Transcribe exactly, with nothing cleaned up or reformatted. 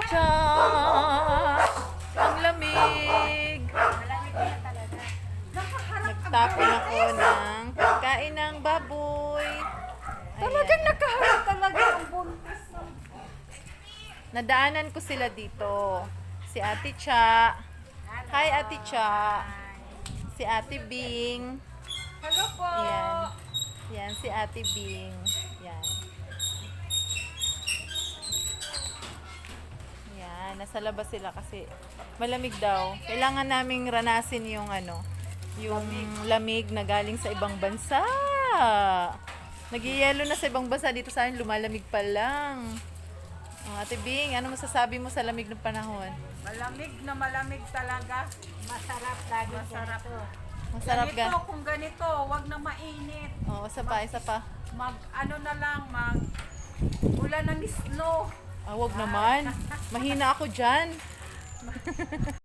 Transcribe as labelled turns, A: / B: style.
A: Cha! Ang lamig!
B: Malamig na talaga.
A: Nagtapon ako ng pagkain ng baboy.
B: Talagang nakaharap talaga ang buntis.
A: Nadaanan ko sila dito. Si Ate Cha. Hi, Ate Cha. Si Ate Bing.
B: Hello po.
A: Yan. Yan, si Ate Bing. Yan. Yan, nasa labas sila kasi malamig daw. Kailangan naming ranasin yung ano, yung lamig na galing sa ibang bansa. Nagyayelo na sa ibang bansa, dito sa akin lumalamig pa lang. Oh, Ate Bing, ano masasabi mo sa lamig ng panahon?
B: Malamig na malamig talaga. Masarap lagi. Masarap.
A: Masarap
B: ganito,
A: ga?
B: kung ganito, wag na mainit.
A: Oo, isa pa, isa pa.
B: Mag, ano na lang, mag, ulan ng snow.
A: Ah, wag naman. Mahina ako dyan.